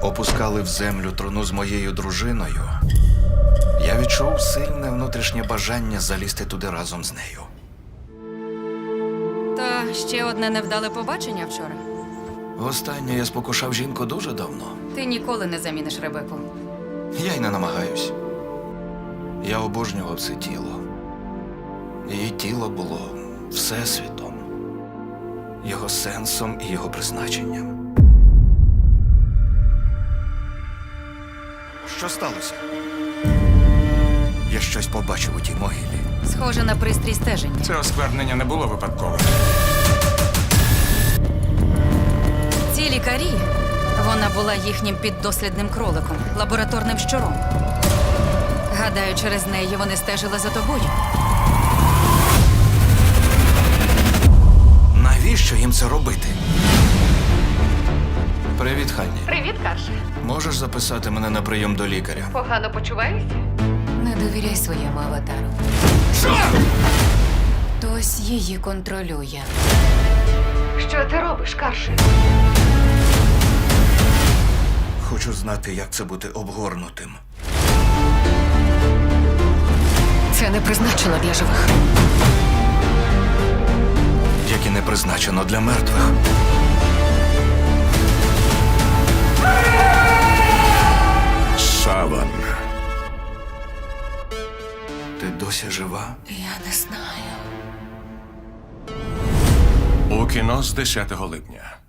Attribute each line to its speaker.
Speaker 1: опускали в землю труну з моєю дружиною, я відчув сильне внутрішнє бажання залізти туди разом з нею.
Speaker 2: Та ще одне невдале побачення вчора.
Speaker 1: Востаннє я спокушав жінку дуже давно.
Speaker 2: Ти ніколи не заміниш Ребеку.
Speaker 1: Я й не намагаюсь. Я обожнював це тіло. Її тіло було всесвітом, його сенсом і його призначенням. Що сталося? Я щось побачив у тій могилі.
Speaker 2: Схоже на пристрій стеження.
Speaker 3: Це осквернення не було випадковим.
Speaker 2: Ці лікарі, вона була їхнім піддослідним кроликом, лабораторним щуром. Гадаю, через неї вони стежили за тобою.
Speaker 1: Навіщо їм це робити? Привіт, Ханні.
Speaker 4: Привіт, Карше.
Speaker 1: Можеш записати мене на прийом до лікаря?
Speaker 4: Погано почуваєшся?
Speaker 2: Не довіряй своєму аватару.
Speaker 1: Що?
Speaker 2: Хтось її контролює.
Speaker 4: Що ти робиш, Карше?
Speaker 1: Хочу знати, як це бути обгорнутим.
Speaker 2: Це не призначено для живих.
Speaker 1: Як і не призначено для мертвих.
Speaker 3: Саван.
Speaker 1: Ти досі жива?
Speaker 2: Я не знаю.
Speaker 3: У кіно з 10 липня.